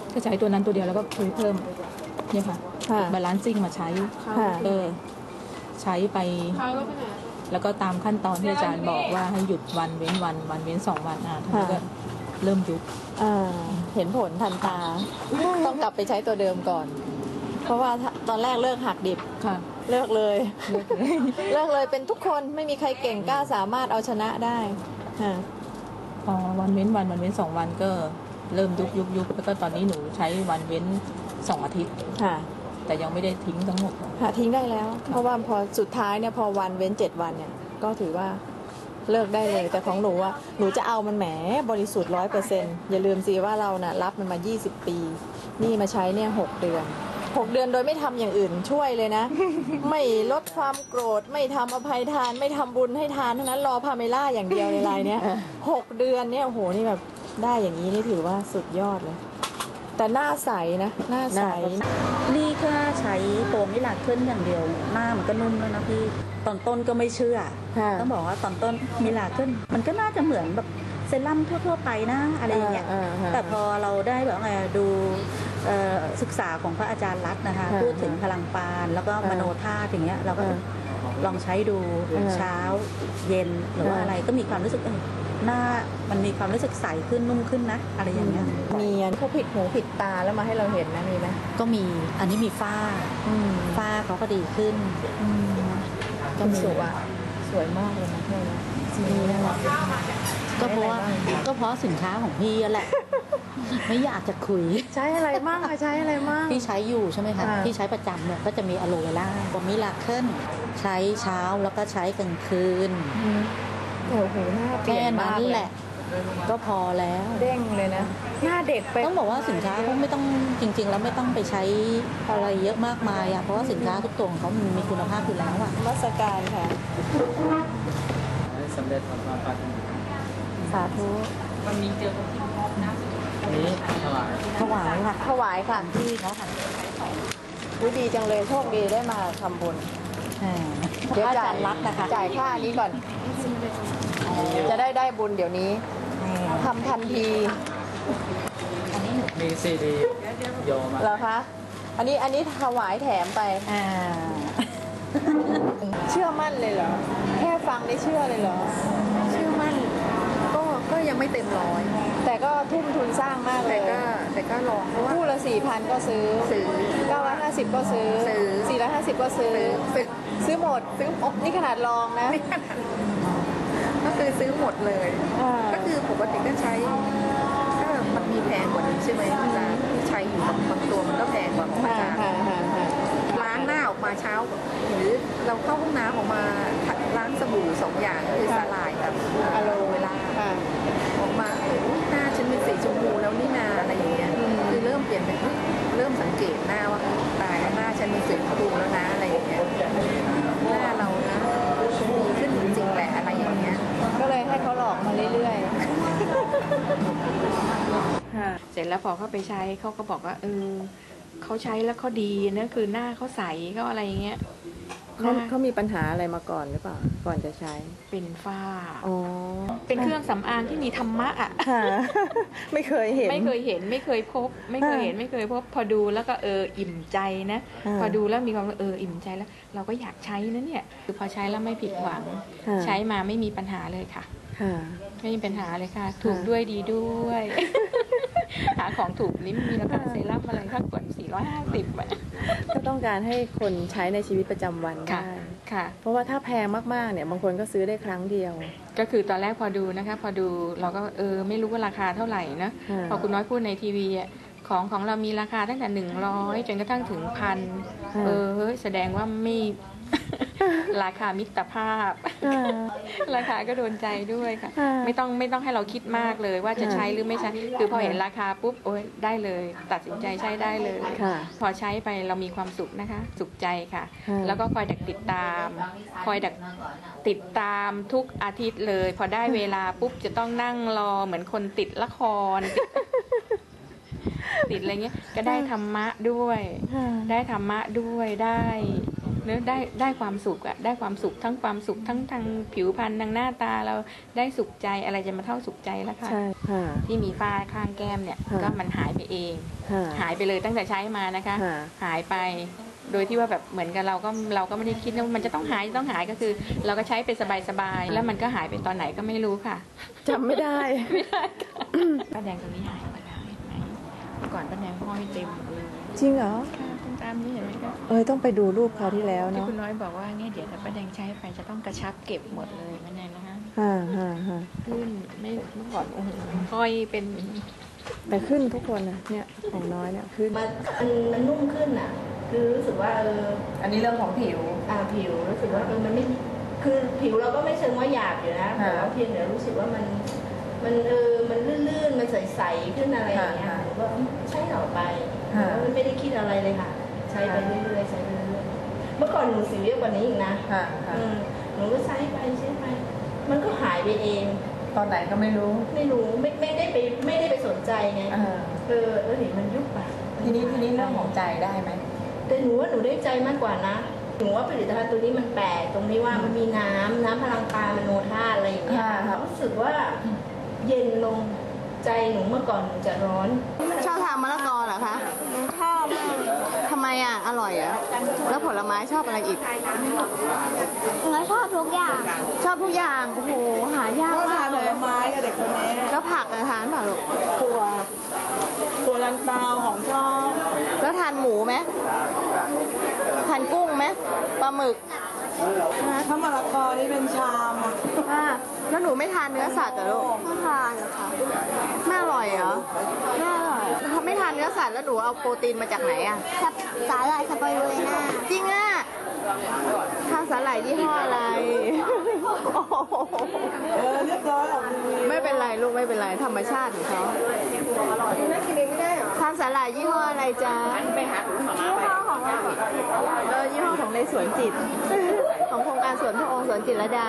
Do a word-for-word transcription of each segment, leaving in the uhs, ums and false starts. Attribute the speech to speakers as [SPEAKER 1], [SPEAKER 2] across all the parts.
[SPEAKER 1] ก็ใช้ตัวนั้นตัวเดียวแล้วก็คุยเพิ่มเนี่ยค่ะบาลานซิ่งมาใช้เออใช้ไปแล้วก็ตามขั้นตอนที่อาจารย์บอกว่าให้หยุดวันเว้นวันวันเว้นสองวันอ่ะท่านก็เริ่มยุบ
[SPEAKER 2] เห็นผลทันตาต้องกลับไปใช้ตัวเดิมก่อนเพราะว่าตอนแรกเลิกหักดิบ
[SPEAKER 1] ค่ะ
[SPEAKER 2] เลิกเลยเลิกเลยเป็นทุกคนไม่มีใครเก่งกล้าสามารถเอาชนะได้
[SPEAKER 1] พอวันเว้นวันวันเว้นสองวันก็เริ่มยุบยุบยุบแล้วก็ตอนนี้หนูใช้วันเว้นสองอาทิตย์
[SPEAKER 2] ค่ะ
[SPEAKER 1] แต่ยังไม่ได้ทิ้งทั้งหมด
[SPEAKER 2] ค่ะทิ้งได้แล้วเพราะว่าพอสุดท้ายเนี่ยพอวันเว้นเจ็ดวันเนี่ยก็ถือว่าเลิกได้เลยแต่ของหนูอ่ะหนูจะเอามันแหมบริสุทธิ์ร้อยเปอร์เซ็นต์อย่าลืมสิว่าเราน่ะรับมันมายี่สิบปีนี่มาใช้เนี่ยหกเดือนหกเดือนโดยไม่ทำอย่างอื่นช่วยเลยนะ ไม่ลดความโกรธไม่ทำอภัยทานไม่ทำบุญให้ทานเท่านั้นรอพาเมล่าอย่างเดียวในรายเนี้ยหกเดือนเนี่ยโอ้โหนี่แบบได้อย่างนี้นี่ถือว่าสุดยอดเลยแต่หน้าใสนะหน้าใส
[SPEAKER 3] นี่แค่ใช้โฟมมิลาเคิลอย่างเดียวหน้ามันก็นุ่มแล้วนะพี่ตอนต้นก็ไม่เชื่อต้องบอกว่าตอนต้นมิลาเคิลมันก็น่าจะเหมือนแบบเซรั่มทั่วๆไปนะอะไรอย่างเงี้ยแต่พอเราได้แบบไงดูศึกษาของพระอาจารย์รัตน์นะคะพูดถึงพลังปานแล้วก็มโนธาตุอย่างเงี้ยเราก็ลองใช้ดูเช้าเย็นหรือว่าอะไรก็มีความรู้สึกหน้ามันมีความรู้สึกใสขึ้นนุ่มขึ้นนะอะไรอย่างเงี้ย
[SPEAKER 2] มีพวกผิดหูผิดตาแล้วมาให้เราเห็นนะมีไหม
[SPEAKER 3] ก็มีอันนี้มีฝ้าฝ้าเขาก็ดีขึ้น
[SPEAKER 2] ก็สวยสวยมากเลยนะเพื่อนสีน่ารัก
[SPEAKER 3] ก็เพราะว่าก็เพราะสินค้าของพี่แหละไม่อยากจะคุย
[SPEAKER 2] ใช้อะไรมั่งใช้อะไรมั่ง
[SPEAKER 3] พี่ใช้อยู่ใช่ไหมคะพี่ใช้ประจำเนี่ยก็จะมีอะโลเวล่าบอมิลาเคิลใช้เช้าแล้วก็ใช้กลางคืน
[SPEAKER 2] โอ้โหหน้า
[SPEAKER 3] แค่นั้นแหละก็พอแล้ว
[SPEAKER 2] เด้งเลยนะหน้าเด็กไป
[SPEAKER 3] ต้องบอกว่าสินค้าเขาไม่ต้องจริงๆแล้วไม่ต้องไปใช้อะไรเยอะมากมายอ่ะเพราะว่าสินค้าทุกตัวของเขามีคุณภาพอยู่แล้วอ่ะ
[SPEAKER 2] มาสการค่ะ
[SPEAKER 4] สำเร็จความปรารถนา
[SPEAKER 2] สาธุ
[SPEAKER 1] วันนี้เจอคนที่พร้อมนะ
[SPEAKER 4] นี้ถวาย
[SPEAKER 2] ถวายค่ะถวายค่ะที่เขาค่ะดีจังเลยโชคดีได้มาทำบุญเดี๋ยวจ่ายรักนะคะจ่ายค่านี้ก่อนจะได้ได้บุญเดี๋ยวนี้ทำทันที
[SPEAKER 4] มีซีดีโยมา
[SPEAKER 2] เหรอคะอันนี้อันนี้ถวายแถมไปเชื่อมั่นเลยเหรอแค่ฟังได้เชื่อเลยเหรอ
[SPEAKER 5] เชื่อมั่นก็ก็ยังไม่เต็มร้อย
[SPEAKER 2] แต่ก็ทุ่มทุนสร้างมากเลย
[SPEAKER 5] แต่ก็แต่ก็ลองเพราะว่า
[SPEAKER 2] คู่ละสี่พันก็ซื้อ
[SPEAKER 5] ซื้อ
[SPEAKER 2] เก้าร้อยห้าสิบก็ซื้อ
[SPEAKER 5] ซื้อ
[SPEAKER 2] สี่ร้อยห้าสิบก็ซื้อ
[SPEAKER 5] ซื้อ
[SPEAKER 2] ซื้อหมดซื้อนี่ขนาดลองนะ
[SPEAKER 5] ก็คือซื้อหมดเลยก็คือปกติก็ใช้ถ้ามันมีแพงกว่านี้ใช่ไหมอาจารย์ที่ใช้อยู่บางตัวมันก็แพงกว่าของอาจารย์ล้างหน้าออกมาเช้าหรือเราเข้าห้องน้ำออกมาล้างสบู่สองอย่างคือสลายกับอะโลเวล่าออกมาหน้าฉันเป็นสีชมพูแล้วนี่นาอะไรอย่างเงี้ยคือเริ่มเปลี่ยนเป็นเริ่มสังเกตหน้าว่าตายหน้าฉันเป็นสีชมพูแล้วนะอะไรอย่างเงี้ยหน้าเรานะดีขึ้นจริงๆแหละอะไรอย่างเงี้ย
[SPEAKER 2] ก็เลยให้เขาหลอกมาเรื่อย
[SPEAKER 1] ๆเสร็จแล้วพอเขาไปใช้เขาก็บอกว่าเออเขาใช้แล้วเขาดีนะคือหน้าเขาใสเขาอะไรอย่างเงี้ย
[SPEAKER 2] เขาเขามีปัญหาอะไรมาก่อนหรือเปล่าก่อนจะใช้
[SPEAKER 1] เป็นฝ้า
[SPEAKER 2] อ๋อ
[SPEAKER 1] เป็นเครื่องสำอางที่มีธรรมะอ่ะ
[SPEAKER 2] ไม่เคยเห็น
[SPEAKER 1] ไม่เคยเห็นไม่เคยพบไม่เคยเห็นไม่เคยพบพอดูแล้วก็เอออิ่มใจนะพอดูแล้วมีความเอออิ่มใจแล้วเราก็อยากใช้นะเนี่ยคือพอใช้แล้วไม่ผิดหวังใช้มาไม่มีปัญหาเลยค่ะไม่มีปัญหาเลยค่ะถูกด้วยดีด้วยหาของถูกลิ้มมีราคาเซรั่มอะไรค่ากว่าสี่ร้อยห้าสิบอ่ะ
[SPEAKER 2] ก็ต้องการให้คนใช้ในชีวิตประจำวันได้
[SPEAKER 1] ค่ะ
[SPEAKER 2] เพราะว่าถ้าแพงมากๆเนี่ยบางคนก็ซื้อได้ครั้งเดียว
[SPEAKER 1] ก็คือตอนแรกพอดูนะคะพอดูเราก็เออไม่รู้ว่าราคาเท่าไหร่นะพอคุณน้อยพูดในทีวีอ่ะของของเรามีราคาตั้งแต่หนึ่งร้อยจนกระทั่งถึงพันเออเฮ้ยแสดงว่าไม่ราคามิตรภาพราคาก็โดนใจด้วยค่ะไม่ต้องไม่ต้องให้เราคิดมากเลยว่าจะใช้หรือไม่ใช้คือพอเห็นราคาปุ๊บโอ้ยได้เลยตัดสินใจใช้ได้เลยพอใช้ไปเรามีความสุขนะคะสุขใจค่ะแล้วก็คอยดักติดตามคอยดักติดตามทุกอาทิตย์เลยพอได้เวลาปุ๊บจะต้องนั่งรอเหมือนคนติดละครติดอะไรเงี้ยก็ได้ธรรมะด้วยได้ธรรมะด้วยได้เนอะได้ได้ความสุขอะได้ความสุขทั้งความสุขทั้งทางผิวพรรณทางหน้าตาเราได้สุขใจอะไรจะมาเท่าสุขใจแล้วค่ะ
[SPEAKER 2] ใช่ค่ะ
[SPEAKER 1] ที่มีฝ้าข้างแก้มเนี่ย
[SPEAKER 2] ค่ะ
[SPEAKER 1] ก็มันหายไปเอง
[SPEAKER 2] ค่ะ
[SPEAKER 1] หายไปเลยตั้งแต่ใช้มานะคะ
[SPEAKER 2] ค่ะ
[SPEAKER 1] หายไปโดยที่ว่าแบบเหมือนกับเราก็เราก็ไม่ได้คิดว่ามันจะต้องหายต้องหายก็คือ เราก็ใช้ไปสบายๆแล้วมันก็หายไปตอนไหนก็ไม่รู้ค่ะ
[SPEAKER 2] จำไม่ได้
[SPEAKER 1] ไม่ได้ค่ะป้าแดงตรงนี้หายหมดแล้วเห็นไหมเมื่อก่อนป้าแดงห้อยเต็มหมดเลย
[SPEAKER 2] จริงเหรอ
[SPEAKER 1] ค่ะตรงตามนี้เห็นไหมคะ
[SPEAKER 2] เอ้ยต้องไปดูรูปคราวที่แล้ว
[SPEAKER 1] ที่
[SPEAKER 2] เนาะ
[SPEAKER 1] คุณน้อยบอกว่าเนี่ยเดี๋ยวถ้าป้าแดงใช้ไปจะต้องกระชับเก็บหมดเลยป้าแดงนะคะ
[SPEAKER 2] ฮ่าฮ่าฮ่า
[SPEAKER 1] ขึ้นไม่เมื่อก่อนโอ้โหห้อยเป็น
[SPEAKER 2] แต่ขึ้นทุกคนนะเนี่ยของน้อยเนี่ยขึ้น
[SPEAKER 6] มันมันมันนุ่มขึ้นอ่ะ คือรู้สึกว่าเออ
[SPEAKER 5] อันนี้เรื่องของผิว
[SPEAKER 6] อ่าผิวรู้สึกว่าเออมันไม่คือผิวเราก็ไม่เชิงว่าหยาบอยู่นะ
[SPEAKER 5] ค่ะ
[SPEAKER 6] แต่ว่าเพียงแต่รู้สึกว่ามันมันเออมันลื่นๆมันใสๆขึ้นอะไรอย่างเงี้ย
[SPEAKER 5] ค่ะ
[SPEAKER 6] หนูก็ใช้ต่อไป
[SPEAKER 5] ค่ะ
[SPEAKER 6] แต่ว่าไม่ได้คิดอะไรเลยค่ะ ใช้ไปเรื่อยๆใช้ไปเรื่อยๆเมื่อก่อนหนูสิวเยอะกว่านี้อีกนะ
[SPEAKER 5] ค่ะค่ะ
[SPEAKER 6] อืมหนูก็ใช้ไปใช้ไป มันก็หายไปเอง
[SPEAKER 5] ตอนไหนก็ไม่รู้
[SPEAKER 6] ไม่รู้ไม่ไม่ได้ไปไม่ได้ไปสนใจไง
[SPEAKER 5] เออ
[SPEAKER 6] เออเออเห็นมันยุบไป
[SPEAKER 5] ทีนี้ทีนี้เรื่องของใจได้ไหม
[SPEAKER 6] แต่หนูว่าหนูได้ใจมากกว่านะ หนูว่าผลิตภัณฑ์ตัวนี้มันแปลกตรงที่ว่ามันมีน้ำน้ำพลังกายมโนธาตุอะไรอย่างเงี้ย
[SPEAKER 5] ค่ะค่ะ
[SPEAKER 6] รู้สึกว่าเย็นลงใจหนูเมื่อก่อนหนูจะร้อน
[SPEAKER 2] ชอบทานมะละกอเหรอคะชอบทำไมอ่ะ อร่อยเหรอ่ะ แล้วผลไม้ชอบอะไรอีก
[SPEAKER 7] แล้วชอบทุกอย่าง
[SPEAKER 2] ชอบทุกอย่าง โอ้โห หายากมากเลย
[SPEAKER 5] ไม้กับเด็กคนนี้
[SPEAKER 2] แล้วผักอะทานเปล่าลูก
[SPEAKER 5] ตัวตัวลันเตาของชอบ
[SPEAKER 2] แล้วทานหมูไหมทานกุ้งไหมปลาหมึก
[SPEAKER 5] ถ้ามะละกอนี่เป็นชามอ่ะ
[SPEAKER 2] อ่าแล้วหนูไม่ทานเนื้อสัตว์เหรอลูก
[SPEAKER 7] ไม่ทานหรอกค่ะ
[SPEAKER 2] ไม่อร่อยเหรอไม่อร่อยถ้าไม่ทานเนื้อสัตว์แล้วหนูเอาโปรตีนมาจากไหนอ่ะ
[SPEAKER 7] สับสาหร่ายสไปรูเลน่า
[SPEAKER 2] จริงอ่ะทานสาหร่ายยี่ห้ออะไร
[SPEAKER 5] เออเรียบร้อยออกทีวี
[SPEAKER 2] ไม่เป็นไรลูกไม่เป็นไรธรรมชาติของเขาทานสาหร่ายยี่ห้ออะไรจ๊ะ
[SPEAKER 7] ยี่ห้อของเรา
[SPEAKER 2] เออยี่ห้อของในสวนจิต ของโครงการสวนพระองค์สวนจิตรลดา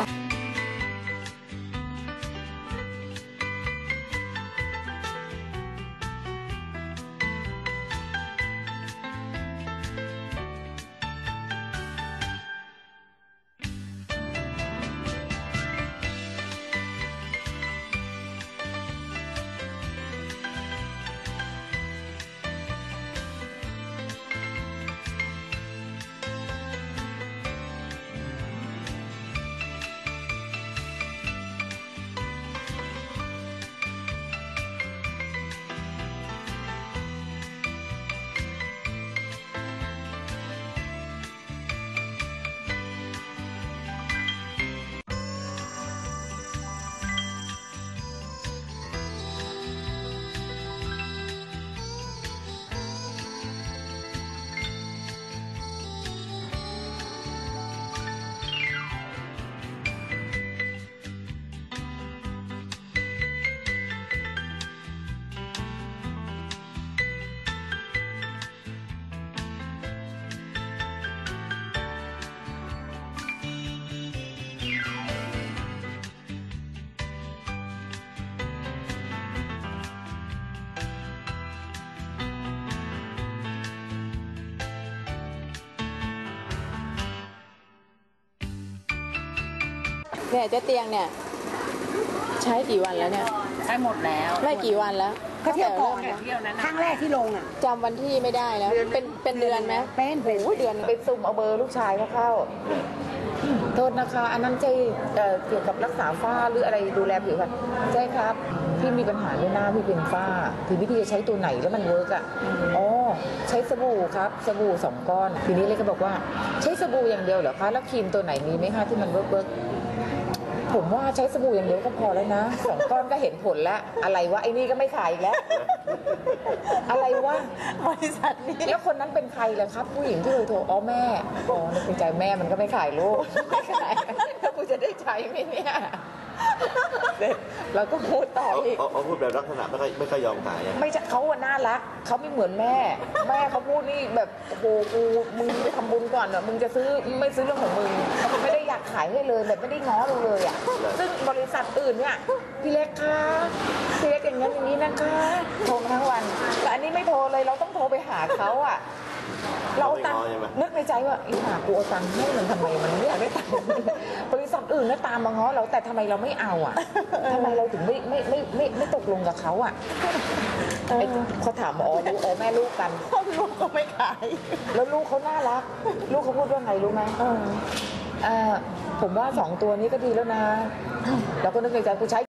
[SPEAKER 2] เนี่ยเจ๊เตียงเนี่ย ใช้กี่วันแล้วเนี่ย
[SPEAKER 5] ใช้หมดแล้ว
[SPEAKER 2] ไม่กี่วันแล้ว
[SPEAKER 5] ก็เที่ยวก่อน
[SPEAKER 2] ตั้งแต่
[SPEAKER 5] เที่ยวนั้นครั้งแรกที่ลงอ่ะ
[SPEAKER 2] จำวันที่ไม่ได้แล้ว เป็นเป็นเดือนไหม
[SPEAKER 5] เป็นเป็น
[SPEAKER 2] โอ้ยเดือน
[SPEAKER 8] ไปซุ่มเอาเบอร์ลูกชายเขาเข้า โทษนะคะ อันนั้นใช่เอ่อเกี่ยวกับรักษาฝ้าหรืออะไรดูแลผิวพรรณใช่ครับ พี่มีปัญหาเรื่องหน้าพี่เป็นฝ้า ทีนี้พี่จะใช้ตัวไหนแล้วมันเวิร์กอ่ะ อ๋อ ใช้สบู่ครับ สบู่สองก้อน ทีนี้เลยก็บอกว่าใช้สบู่อย่างเดียวเหรอคะ แล้วครีมตัวไหนมีไหมคะที่มันเวิร์กเวิร์กผมว่าใช้สบู่อย่างเดียวก็พอแล้วนะสองก้อนก็เห็นผลแล้ว อะไรวะไอ้นี่ก็ไม่ขายอีกแล้ว อะไรวะ
[SPEAKER 2] บริษัทนี้
[SPEAKER 8] แล้วคนนั้นเป็นใครล่ะครับ ผู้หญิงที่เคยโทรอ๋อแม่อ๋อในใจแม่มันก็ไม่ขายลูกไม่ขายแล้วกูจะได้ใช้ไหมเนี่ยเด็กเราก็พูดต่อ
[SPEAKER 9] เขา
[SPEAKER 8] อีก
[SPEAKER 9] เขาเขาพูดแบบลักษณะไม่ค่อยไม่ค่อยยอมขายอะ
[SPEAKER 8] ไม่ใช่เขาอะน่ารักเขาไม่เหมือนแม่ แม่เขาพูดนี่แบบโอ้โหกูมึงไปทำบุญก่อนอะมึงจะซื้อไม่ซื้อเรื่องของมึงเขาไม่ได้อยากขายให้เลยแบบไม่ได้ง้อเราเลยอะซึ่งบริษัทอื่นเนี่ยพี่เล็กคะพี่เล็กอย่างนั้นอย่างนี้นะคะโทรมาทั้งวันแต่อันนี้ไม่โทรเลยเราต้องโทรไปหาเขาอะเราเอาตังค์
[SPEAKER 9] ไม่ง้อใช่ไหม
[SPEAKER 8] นึกในใจว่าไอ้ห่ากูเอาตังค์ให้มันทำไมมันไม่อยากได้ตังค์บริษัทอื่นน่ะตามมาง้อเราแต่ทำไมเราไม่เอาอ่ะทำไมเราถึงไม่ไม่ไม่ไม่ไม่ตกลงกับเขาอ่ะไอ้เขาถามอ๋อลูกอ๋อแม่ลูกกัน
[SPEAKER 2] ลูกก็ไม่ขาย
[SPEAKER 8] แล้วลูกเขาน่ารัก ลูกเขาพูดว่าไงรู้ไหมเออผมว่าสองตัวนี้ก็ดีแล้วนะ เราก็นึกในใจกูใช้